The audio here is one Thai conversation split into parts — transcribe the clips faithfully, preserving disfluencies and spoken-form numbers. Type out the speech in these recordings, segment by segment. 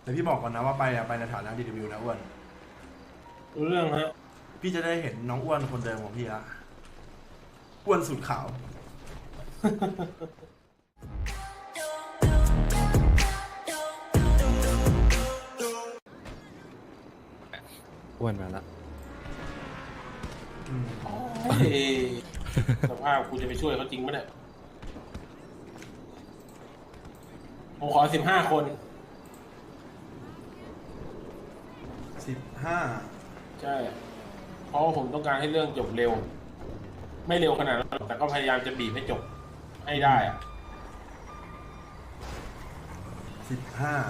แต่พี่บอกก่อนนะว่าไปอะไปในฐานะดีวิวนะอ้วนรู้เรื่องฮะพี่จะได้เห็นน้องอ้วนคนเดิมของพี่ละอ้วนสุดขาวอ้วนมาละอืมเฮ้ยสภาพกูจะไปช่วยเขาจริงไหมเนี่ยผมขอสิบห้าคนสิบห้าใช่ เพราะว่าผมต้องการให้เรื่องจบเร็ว ไม่เร็วขนาดนั้นหรอกแต่ก็พยายามจะบีบให้จบให้ได้อะสิบห้า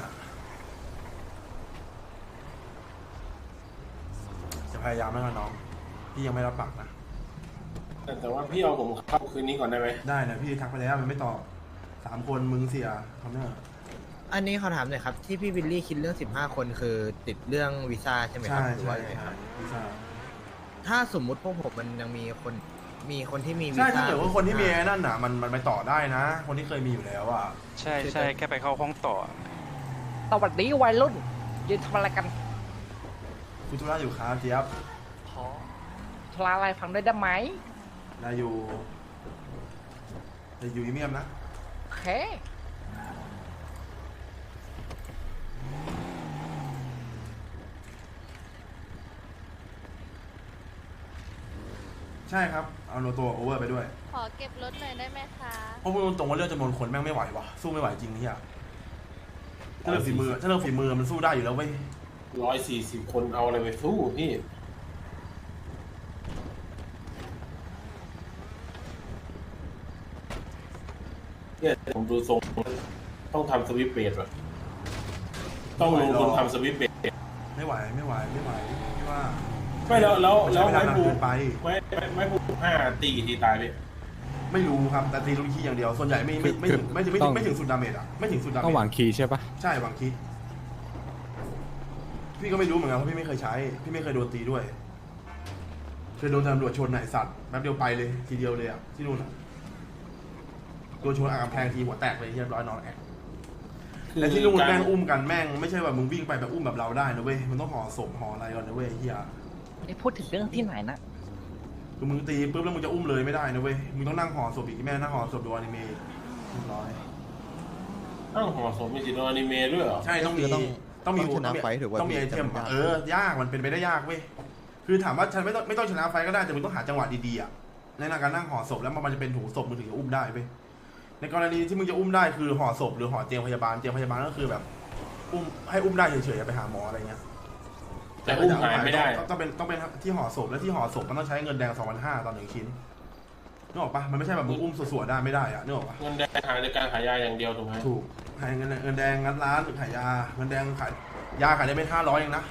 จะพยายามแล้วกันน้องพี่ยังไม่รับปากนะแต่แต่ว่าพี่เอาผมเข้าคืนนี้ก่อนได้ไหมได้นะพี่ทักไปแล้วมันไม่ตอบสามคนมึงเสียเขาเนี่ยอันนี้เขาถามหน่อยครับ ที่พี่วิลลี่คิดเรื่องสิบห้าคนคือติดเรื่องวีซ่าใช่ไหมครัใช่หรือใช่ว่ายังไงคใช่รับวีซ่าถ้าสมมุติพวกผมมันยังมีคนมีคนที่มีวีใช่ซ่าถ้าเกิดว่าคนที่มีไอ้นั่นน่ะมันมันไปต่อได้นะ คนที่เคยมีอยู่แล้วอ่ะใช่ใช่แค่ไปเข้าห้องต่อสวัสดีวัยรุ่นยืนทำอะไรกันคุณธุระอยู่ครับเจี๊ยบขอทลาอะไรฟังได้ได้ไหมนายอยู่นายอยู่อีเมียมนะโอเคใช่ครับเอาโนตัวโอเวอร์ไปด้วยขอเก็บรถหน่อยได้ไหมคะเพราะพูดตรงๆว่าเรื่องจำนวนคนแม่งไม่ไหววะสู้ไม่ไหวจริงเนี่ยถ้าเรื่องฝีมือถ้าเรื่องฝีมือมันสู้ได้อยู่แล้วเว้ยร้อยสี่สิบคนเอาอะไรไปสู้พี่เนี่ยผมดูทรงต้องทำสวิปเบดว่ะต้องลงทุนทำสวิปเบดไม่ไหวไม่ไหวไม่ไหวพี่ว่าไม่แล้วแล้วมันแล้ใช้วเวลาไม้นานภูเกินไปไม่ไม่ไม่ภูห้าตีกี่ทีตายพี่ไม่รู้ครับแต่ตีลูกขี้อย่างเดียวส่วนใหญ่ไม่ไม่ไม่ถึงไม่ถึงไม่ถึงไม่ถึงสุดดาเมจอ่ะไม่ถึงสุดดาเมจต้องหวังคีย์ใช่ปะใช่หวังคิดพี่ก็ไม่รู้เหมือนกันเพราะพี่ไม่เคยใช้ พี่ไม่เคยโดนตีด้วยเคยโดนตำรวจชนไหนสัตว์แป๊บเดียวไปเลยทีเดียวเลยอ่ะที่นู่นอ่ะโดนชนอ่างกำแพงทีหัวแตกเลยเรียบร้อยนอนแอกและที่นู่นแม่งอุ้มกันแม่งไม่ใช่ว่ามึงวิ่งไปแบบอุ้มแบบเราได้นะเว้ยมันต้องห่อศพห่ออะไรก่อนนะเว้ยเฮียนี่พูดถึงเรื่องที่ไหนนะคือมึงตีปุ๊บแล้วมึงจะอุ้มเลยไม่ได้นะเว้ยมึงต้องนั่งห่อศพอีกแม่นั่งห่อศพดูอนิเมะเรียบร้อยอ้าวห่อศพมีจิตอนิเมะด้วยเหรอใช่ต้องมีต้องมีต้องชนะไฟถือว่าต้องมีไอเทมพี่เออยากมันเป็นไปได้ยากเว้ยคือถามว่าฉันไม่ต้องไม่ต้องชนะไฟก็ได้แต่มึงต้องหาจังหวะดีๆอ่ะในการนั่งห่อศพแล้วมันจะเป็นถุงศพมึงถึงจะอุ้มได้เว้ยในกรณีที่มึงจะอุ้มได้คือห่อศพหรือห่อเตียงพยาบาลเตียงพยาบาลก็คือแบบอุ้มให้อุ้มได้เฉยๆอย่าไปหาหมออะไรเงี้ยแต่อุ้มหายไม่ได้ต้องเป็นต้องเป็นที่ห่อศพและที่ห่อศพมันต้องใช้เงินแดงสองพันห้าต่อหนึ่งชิ้นนึกออกปะมันไม่ใช่แบบมึงอุ้มสวยๆได้ไม่ได้อะนึกออกปะเงินแดงหาในการขายยาอย่างเดียวถูกไหมถูกขายเงินเงินแดงงัดร้านหรือขายยาเงินแดงขายยาขายได้ไม่ห้าร้อยเองนะ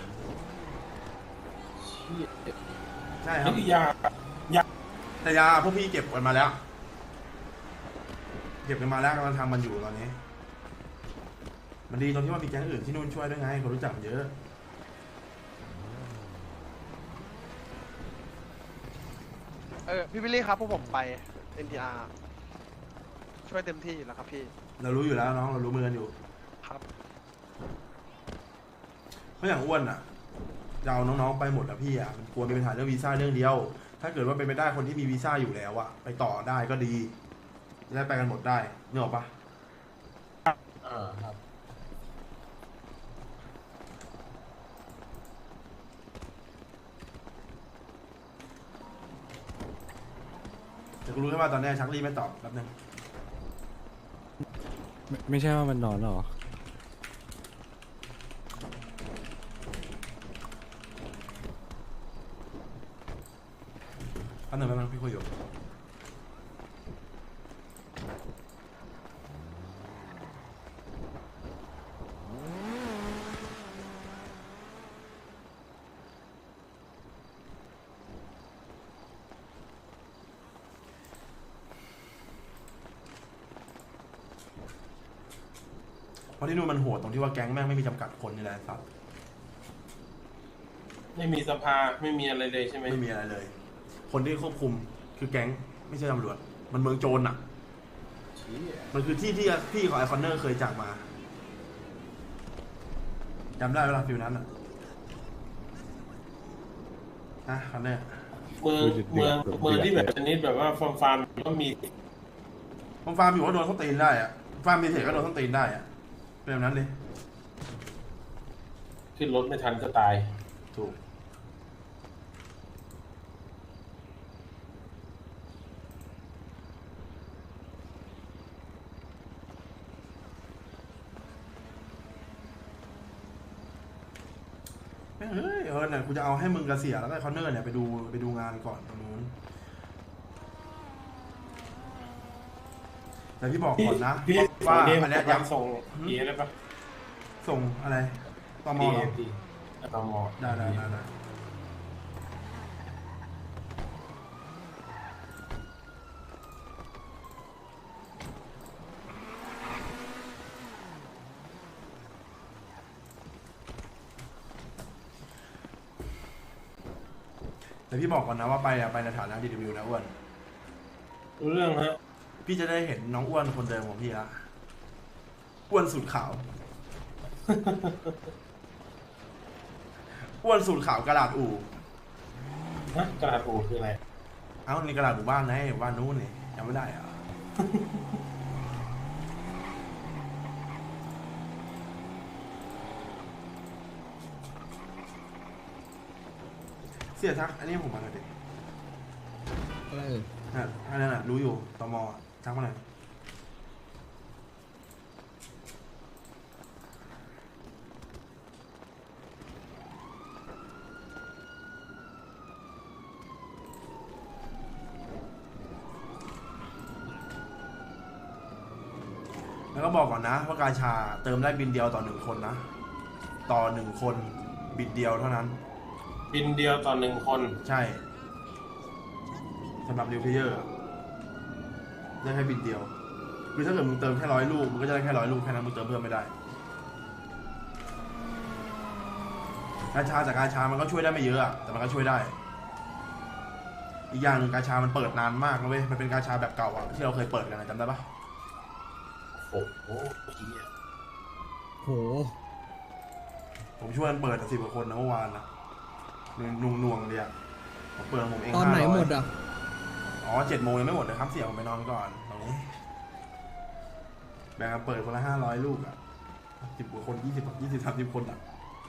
ใช่ครันี่บคือยาแต่ยาพวกพี่เก็บกันมาแล้ว เก็บกันมาแล้วกำลังทำมันอยู่ตอนนี้ มันดีตรงที่ว่ามีแก๊งอื่นที่นู่นช่วยด้วยไงคนรู้จักมันเยอะเออพี่วิลลี่ครับพวกผมไป เอ็น ที อาร์ ช่วยเต็มที่อยู่แล้วครับพี่เรารู้อยู่แล้วน้องเรารู้มือกันอยู่ครับเพราะอย่างอ้วนอ่ะจะเอาน้องๆไปหมดแล้วพี่อ่ะมันกลัวมีปัญหาเรื่องวีซ่าเรื่องเดียว ถ้าเกิดว่าเป็นไปได้คนที่มีวีซ่าอยู่แล้วอ่ะไปต่อได้ก็ดีจะได้ไปกันหมดได้นึกออกปะอ่าครับแต่กูรู้แค่ว่าตอนนี้ชักลี่ไม่ตอบแป๊บนึงไม่ไม่ใช่ว่ามันนอนหรอแป๊บนึงแป๊บนึงพี่คุยอยู่เพราะที่นู่นมันโหดตรงที่ว่าแก๊งแม่งไม่มีจำกัดคนนี่แหละครับไม่มีสภาไม่มีอะไรเลยใช่ไหมไม่มีอะไรเลย คนที่ควบคุมคือแก๊งไม่ใช่ตำรวจมันเมืองโจรอ่ะชี้มันคือที่ที่พี่ของไอคอนเนอร์เคยจากมาจำได้เวลาฟิวนั้นอ่ะอ่ะคันเนี้ยเมืองเมืองเมืองที่แบบชนิดแบบว่าฟาร์มฟาร์มก็มีผมฟาร์มอยู่ก็โดนส้นตีนได้อ่ะฟาร์มมีเทคก็โดนส้นตีนได้อ่ะเป็นแบบนั้นเลยขึ้นรถไม่ทันก็ตายถูกแม่งเฮ้ยเออเนี่ยกูจะเอาให้มึงกระเสียแล้วก็คอนเนอร์เนี่ยไปดูไปดูงานก่อนตรงนู้นแต่พี่บอกพี่ก่อนนะพี่ว่าวันนี้อันเนี้ยยัย้งส่งเอได้ปะำส่งอะไรตมเหรอพี่ตมได้ได้ได้ได้แต่พี่บอกก่อนนะว่าไปอะไปในฐานะดีวิวนะอ้วนรู้เรื่องฮะพี่จะได้เห็นน้องอ้วนคนเดิมของพี่ละอ้วนสูตรขาว อ้วนสูตรขาวกระดาษอู่ฮะกระดาษโอคืออะไรเอ้านี่กระดาษหมู่บ้านนะหมู่บ้านนู้นนี่จำไม่ได้เหรอะ เสียทัก อันนี้ผมมาหน่อยดิอะไรเอ่ยนะอันนั้นน่ะรู้อยู่ตมทักมาหน่อยแล้วก็บอกก่อนนะว่ากาชาเติมได้บินเดียวต่อหนึ่งคนนะ ต่อหนึ่งคนบินเดียวเท่านั้นบินเดียวต่อหนึ่งคนใช่สำหรับนิวเพเยอร์ได้แค่บินเดียวคือถ้าเกิดมึงเติมแค่ร้อยลูกมึงก็จะได้แค่ร้อยลูกแค่นั้นมึงเติมเพิ่มไม่ได้กาชาจากกาชามันก็ช่วยได้ไม่เยอะอะแต่มันก็ช่วยได้ อีกอย่างหนึ่งกาชามันเปิดนานมากนะเว้ยมันเป็นกาชาแบบเก่าอะที่เราเคยเปิดกันนะจำได้ปะโอ้โหเหี้ยโหผมช่วยมันเปิดสิบกว่าคนนะเมื่อวานนะนุ่งนวงๆเลยอะผมเปิดผมเองตอนไหนห้าร้อยหมดอ่ะอ๋อเจ็ดโมงยังไม่หมดเลยครับเสี่ยผมไปนอนก่อนตรงนี้แบ่งกันเปิดคนละห้าร้อยลูกอะสิบกว่าคนยี่สิบยี่สิบสามสิบคนอะ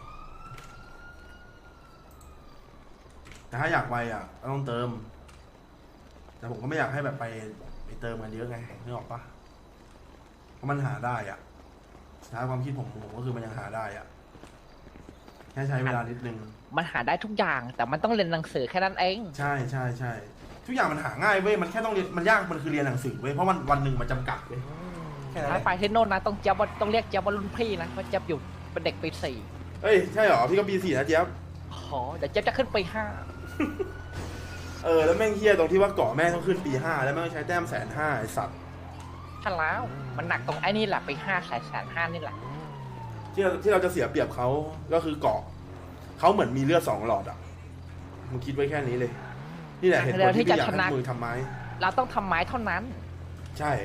แต่ถ้าอยากไปอะก็ต้องเติม แต่ผมก็ไม่อยากให้แบบไปไปเติมกันเยอะไงนึกออกปะเพราะมันหาได้อะถ้าความคิดผมผมก็คือมันยังหาได้อะแค่ใช้เวลานิดนึงมันหาได้ทุกอย่าง แต่มันต้องเรียนหนังสือแค่นั้นเองใช่ใช่ใช่ทุกอย่างมันหาง่ายเว้ยมันแค่ต้องเรียนมันยากมันคือเรียนหนังสือเว้ยเพราะมันวันหนึ่งมันจำกัดเว้ยแค่นั้นแหถ้าละไปที่โน่นนะต้องเจี๊ยบว่าต้องเรียกเจี๊ยบว่ารุ่นพี่นะเพราะเจี๊ยบอยู่เป็นเด็กปีสี่เอ้ยใช่เหรอพี่ก็ปีสี่นะเจี๊ยบอ๋อเดี๋ยวเจี๊ยบจะขึ้นปีห้าเออแล้วแม่งเฮี้ยตรงที่ว่าเกาะแม่งต้องขึ้นปีห้าแล้วแม่งต้องใช้แต้มแสนห้าไอสัตว์ท่านแล้วมันหนักตรงไอ้นี่แหละปีห้าแสนแสนห้านี่แหละที่เราที่เราจะเสียเปรียบเขาก็คือเกาะเขาเหมือนมีเลือดสองหลอดอ่ะมึงคิดไว้แค่นี้เลย นี่แหละเหตุผลที่พี่อยากให้มึงทำไม้เราต้องทำไม้เท่านั้นใช่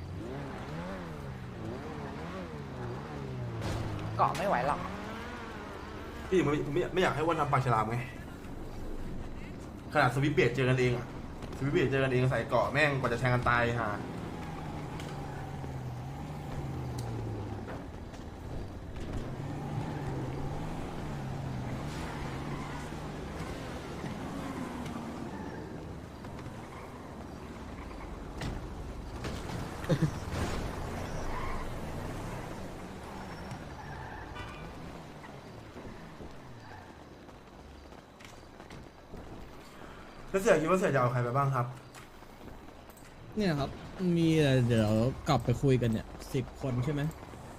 เกาะไม่ไหวหรอกพี่ถึงไม่ไม่ไม่อยากให้อ้วันทำปากฉลามไงขนาดสวิปเบดเจอกันเองอะสวิปเบดเจอกันเองใส่เกาะแม่งกว่าจะแทงกันตายฮะแล้วเสียคิดว่าเสียจะเอาใครไปบ้างครับเนี่ยครับ มีอะไรเดี๋ยวกลับไปคุยกันเนี่ยสิบคนใช่ไหม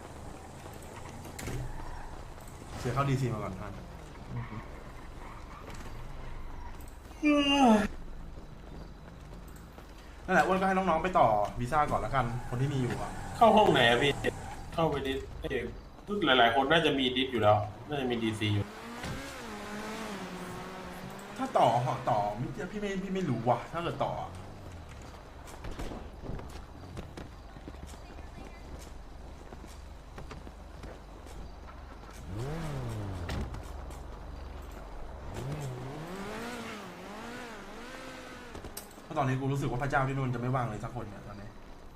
เสียเข้าดีซีมาก่อนท่านนั่นแหละอ้วนก็ให้น้องๆไปต่อวีซ่าก่อนละกัน คนที่มีอยู่อะเข้าห้องไหนอะพี่ เข้าไปดิสเอ้ยทุกหลาย ๆ คนน่าจะมีดิสอยู่แล้ว น่าจะมีดีซีอยู่ถ้าต่อต่อพี่ไม่พี่ไม่รู้ว่ะ ถ้าเกิดต่ออะราะตอนนี้กูรู้สึกว่าพระเจ้าที่นู่นจะไม่ว่างเลยสักคนเนี่ยตอนนี้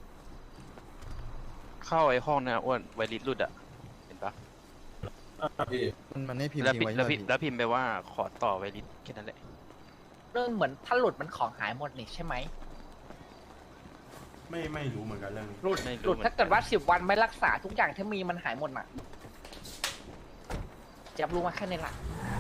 เข้าไอ้ห้องเนี่ยอ้วนไวริสหลุดอ่ะ เห็นปะอ่ะพี่มันมันให้พิมพ์แล้วทิ้พิงไว้แล้วใช่พิไหมแล้วพิมพ์ไปว่าขอต่อไวริสแค่นั้นแหละเรื่องเหมือนถ้าหลุดมันของหายหมดนี่ใช่ไหมไม่ไม่รู้เหมือนกันเรื่องนี้หลุดไม่หลุรู้ดเหมือนถ้าเกิดนว่าสิบวันไม่รักษาทุกอย่างที่มีมันหายหมดน่ะเจะรู้มาแค่นี้ละ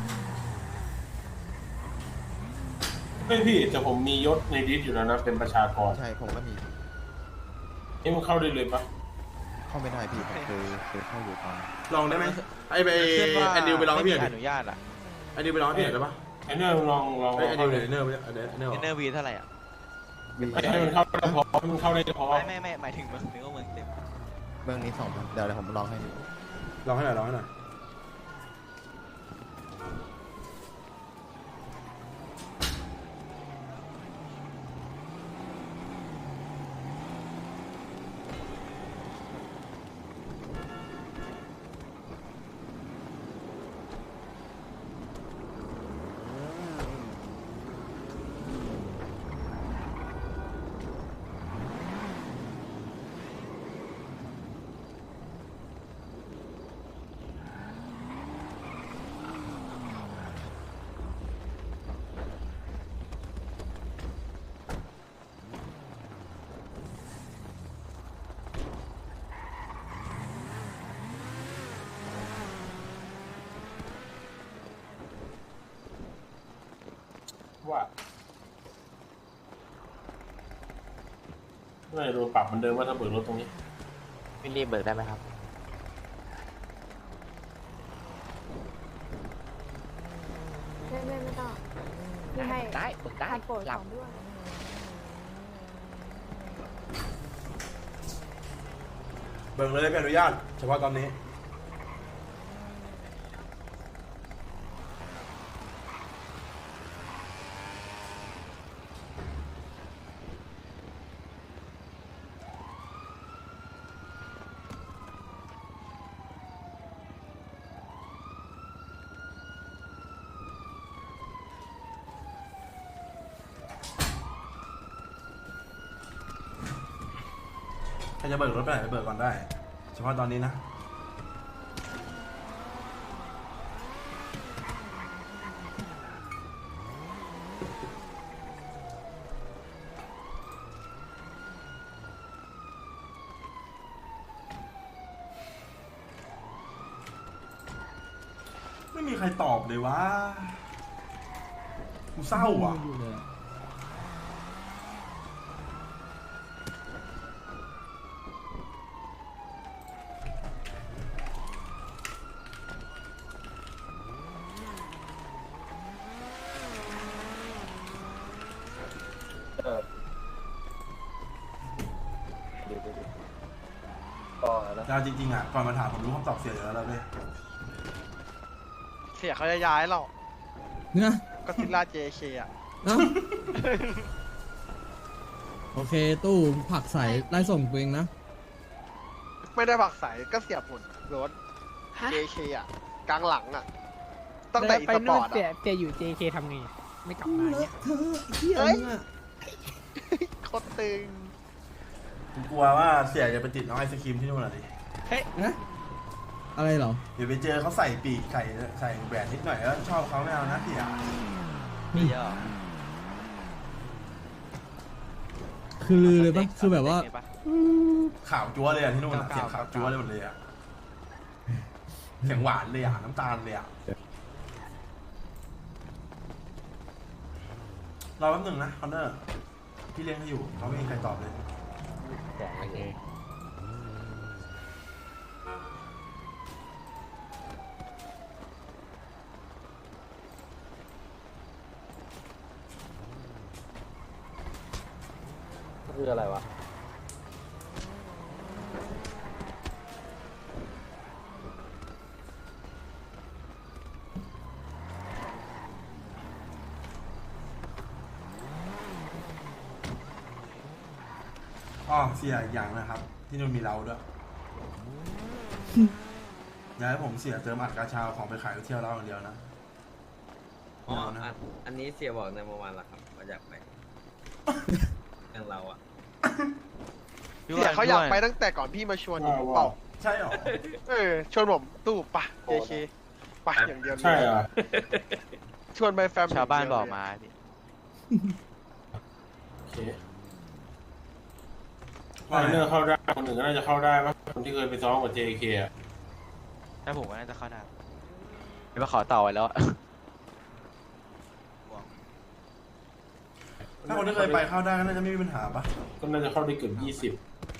เฮ้ยพี่แต่ผมมียศในดิสอยู่แล้วนะเป็นประชากรใช่ผมก็มีนี่มันเข้าได้เลยปะเข้าไม่ได้พี่ผมเคยเคยเข้าอยู่ตอนลองได้ไหมไอ้ไปเพื่อนว่าแอนดิวไปลองให้พี่หน่อยไม่ดิมีอนุญาตอ่ะแอนดิวไปลองให้พี่หน่อยได้ปะไอเนอร์ลองลองไอ้ยแอนดิวเลเนี่ย ยเนอร์ไปเนี่ยเนอร์เนอร์เนอร์วีเท่าไหร่อ่ะให้มันเข้าได้พอให้มันเข้าได้พอไม่ไม่ไม่หมายถึงเมืองถึงว่าเมืองเต็มเบื้องนี้สองพันเดี๋ยวเดี๋ยวผมลองให้ดูลองให้หน่อยลองให้หน่อยว่าไม่โดนปรับเหมือนเดิมว่าถ้าเบิกรถตรงนี้วิลลี่เบิกได้ไหมครับไม่ไม่ไม่ต้องพี่ให้ได้เบิกได้ผ่านโปรดหลัสบองด้วยเบิกเลยพี่อนุญาตเฉพาะตอนนี้ ใครจะเบิกรถไปไหนไปเบิกก่อนได้ เฉพาะตอนนี้นะ ไม่มีใครตอบเลยวะกูเศร้าอ่ะอยู่เลยอะยาวจริงๆอ่ะ ก่อนมาถามผมรู้คำตอบเสียอยู่แล้วแล้วเว้ยเสียเขาจะย้ายเรานะก็ซิลล่า เจ เค อ่ะเอ้าโอเค ตู้ผักใส่ไล่ส่งตัวเองนะไม่ได้ผักใสก็เสียผลรถ เจ เค อ่ะ กลางหลังอ่ะ ตั้งแต่อีสปอร์ตเสียอ่ะเสียอยู่ เจ เค ทำไง ไม่กลับมาเนี่ยเธอเฮียเฮ้ยมึงอะโคตรตึงผมกลัวว่าเสียจะไปติดน้องไอศครีมที่นู่นน่ะดินะอะไรเหรอเดี๋ยวไปเจอเขาใส่ปีกใส่ใส่แหวนนิดหน่อยแล้วชอบเขาไม่เอานะเสียมีเยอะคือลือเลยปะคือแบบว่าข่าวจั๊วเลยอ่ะที่นู่นอะเสียงข่าวจั๊วเลยหมดเลยอ่ะเสียงหวานเลยอ่ะน้ำตาลเลยอ่ะรอแป๊บหนึ่งนะคอนเนอร์พี่เลี้ยงเขาอยู่เขาไม่มีใครตอบเลยโอเคคืออะไรวะอ๋อเสียอีกอย่างนะครับ ที่นู่นมีเราด้วย อย่าให้ผมเสียเติมอัดกาชาของไปขายเที่ยวเราอย่างเดียวนะอ๋อไม่เอานะอันอันนี้เสียบอกในเมื่อวานละครับว่าอยากไปอย่างเราอ่ะพี่เสียเขาอยากไปพี่ตั้งแต่ก่อนพี่มาชวนอีกเปล่าใช่หรอเออชวนผมตู้ปะ เจ เค ปะอย่างเดียวเลยใช่เหรอชวนไปแฟมชาวบ้านบอกมาพี่โอเคไลเนอร์เข้าได้คนหนึ่งก็น่าจะเข้าได้มั้งคนที่เคยไปซ้อมกับ เจ เค อะถ้าผมก็น่าจะเข้าได้เดี๋ยวมาขอต่อไว้แล้วอะถ้าคนที่เคยไปเข้าได้ก็น่าจะไม่มีปัญหาปะก็น่าจะเข้าได้เกือบยี่สิบ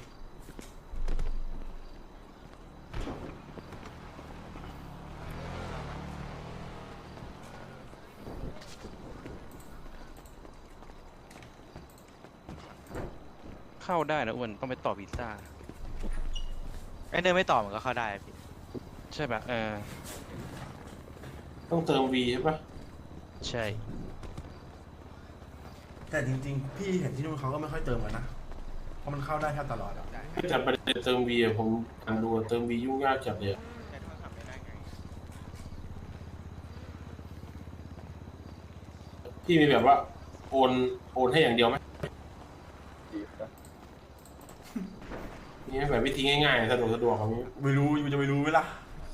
เข้าได้นะอ้วนต้องไปต่อวีซ่าไอ้เนอร์ไม่ต่อมันก็เข้าได้พี่ใช่ปะเออต้องเติม V ใช่ปะใช่แต่จริงๆ พี่เห็นที่นู่นเขาก็ไม่ค่อยเติมกันนะ เพราะมันเข้าได้แทบตลอดอะจัดประเด็นเติม V อะผมอ่านดูอะเติม V ยุ่งยากจัดเลยอะพี่มีแบบว่า โอนโอนให้อย่างเดียวไหมนี่แบบวิธีง่ายๆสะดวกสะดวกแบบนี้ไม่รู้มันจะไม่รู้ไหมล่ะ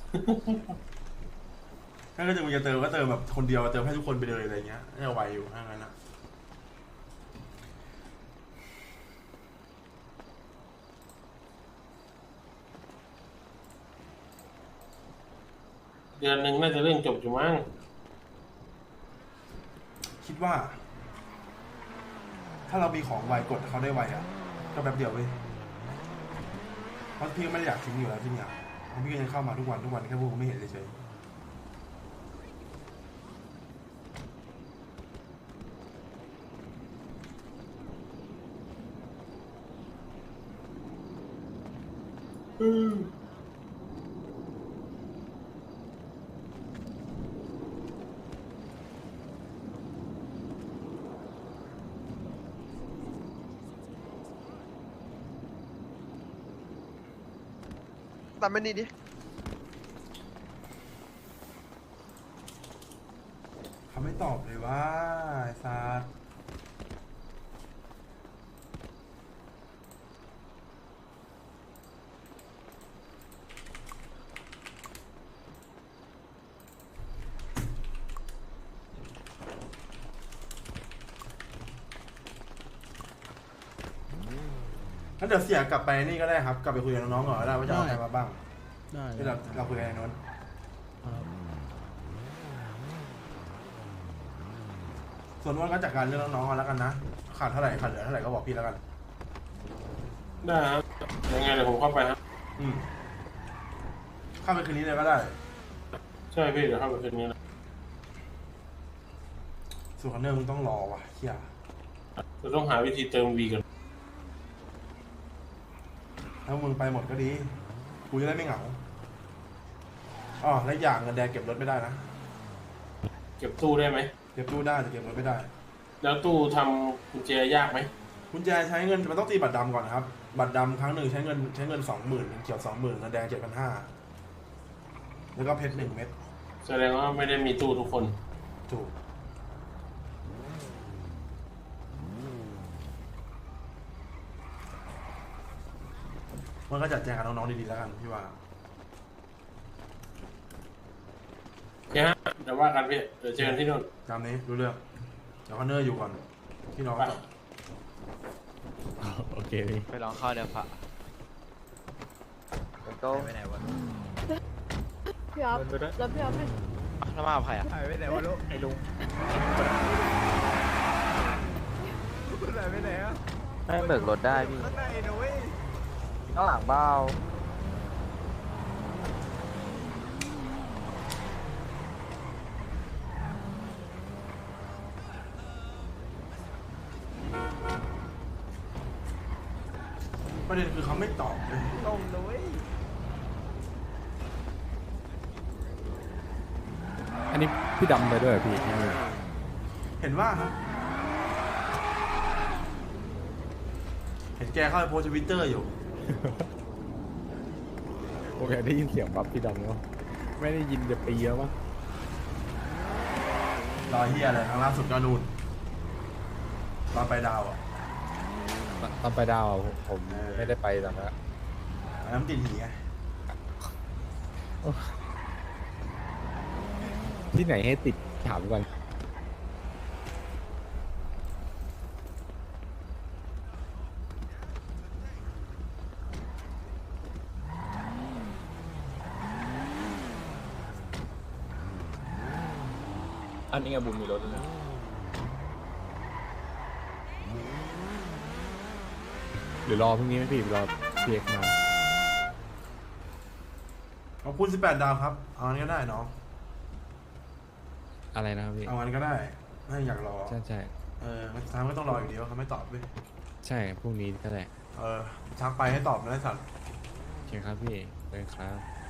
ถ้าก็จะมึงจะเติมก็เติมแบบคนเดียวเติมให้ทุกคนไปเลยอะไรเงี้ยน่าจะไวอยู่ถ้างั้นอะเดือนหนึ่งน่าจะเรื่องจบอยู่มั้งคิดว่า ถ้าเรามีของไวกดเขาได้ไวอะก็แป๊บเดียวเว้ยเพราะพี่ก็ไม่ได้อยากทิ้งอยู่แล้วที่เนี่ยเพราะพี่ก็ยังเข้ามาทุกวันทุกวันแค่พวกผมไม่เห็นเฉยๆอืมตามไม่นี่ดิเขาไม่ตอบเลยว่าไอ้ซาร์งั้นเดี๋ยวเสียกลับไปนี่ก็ได้ครับ กลับไปคุยกับน้องๆก่อนก็ได้ว่าจะเอาใครมาบ้างได้ที่เราเราคุยกันในโน้นครับส่วนว่าก็จัดการเรื่องน้องๆเอาแล้วกันนะ ขาดเท่าไหร่ขาดเหลือเท่าไหร่ก็บอกพี่แล้วกันได้ครับยังไงเดี๋ยวผมเข้าไปครับอืมเข้าไปคืนนี้เลยก็ได้ใช่พี่เดี๋ยวเข้าไปคืนนี้นะส่วนคอนเนอร์มึงต้องรอว่ะเฮียเราต้องหาวิธีเติม V กันถ้ามึงไปหมดก็ดี กูจะได้ไม่เหงาอ๋อและอย่างเงินแดงเก็บรถไม่ได้นะเก็บตู้ได้ไหมเก็บตู้ได้แต่เก็บรถไม่ได้แล้วตู้ทำกุญแจยากไหมกุญแจใช้เงินมันต้องตีบัตรดำก่อนนะครับ บัตรดำครั้งหนึ่งใช้เงินใช้เงินสองหมื่นเขียวสองหมื่นเงินแดงเจ็ดพันห้าแล้วก็เพชรหนึ่งเม็ดแสดงว่าไม่ได้มีตู้ทุกคนถูกมันก็จัดแจงกับน้องๆดีๆแล้วกันพี่ว่าโอเคฮะเดี๋ยวว่ากันพี่ เดี๋ยวเจอกันที่นู่นตามนี้รู้เรื่องเดี๋ยวคอนเนอร์อยู่ก่อนพี่น้องไปก่อนโอเคพี่ไปลองเข้าเดี๋ยวพะไปไหนวะพี่อ๊อฟแล้วพี่อ๊อฟให้อ่ะแล้วมากับใครอ่ะหายไปไหนวะลูกไอ้ลุงหายไปไหนอ่ะให้เบิกรถได้พี่ข้างในนะเว้ยข้างหลังเบ้าประเด็นคือเขาไม่ตอบเลยลงนะเว้ยอันนี้พี่ดำไปด้วยเหรอพี่เห็นว่าครับเห็นแกเข้าไปโพสทวิตเตอร์อยู่โอเคได้ยินเสียงปั๊บพี่ดำแล้วไม่ได้ยินจะปีแล้วมั้งรอเฮียอะไรครั้งล่าสุดก็นู่นตอนไปดาวอ่ะตอนไปดาวอะผมผมเออไม่ได้ไปตอนนั้นอะอันนั้นติดหีไงที่ไหนให้ติดถามก่อนอันนี้ไงบุมมีรถด้วยนะหรือรอพรุ่งนี้ไหมพี่รอพีเอ็กมาขอบคุณสิบแปดดาวครับเอางั้นก็ได้น้องอะไรนะครับพี่เอางั้นก็ได้ไม่อยากรอใช่ใช่เออมันทางก็ต้องรออยู่ดีว่าเขาไม่ตอบเว้ยใช่พรุ่งนี้ก็แหละเออทักไปให้ตอบนะไอ้สัตว์โอเคครับพี่เลยครับ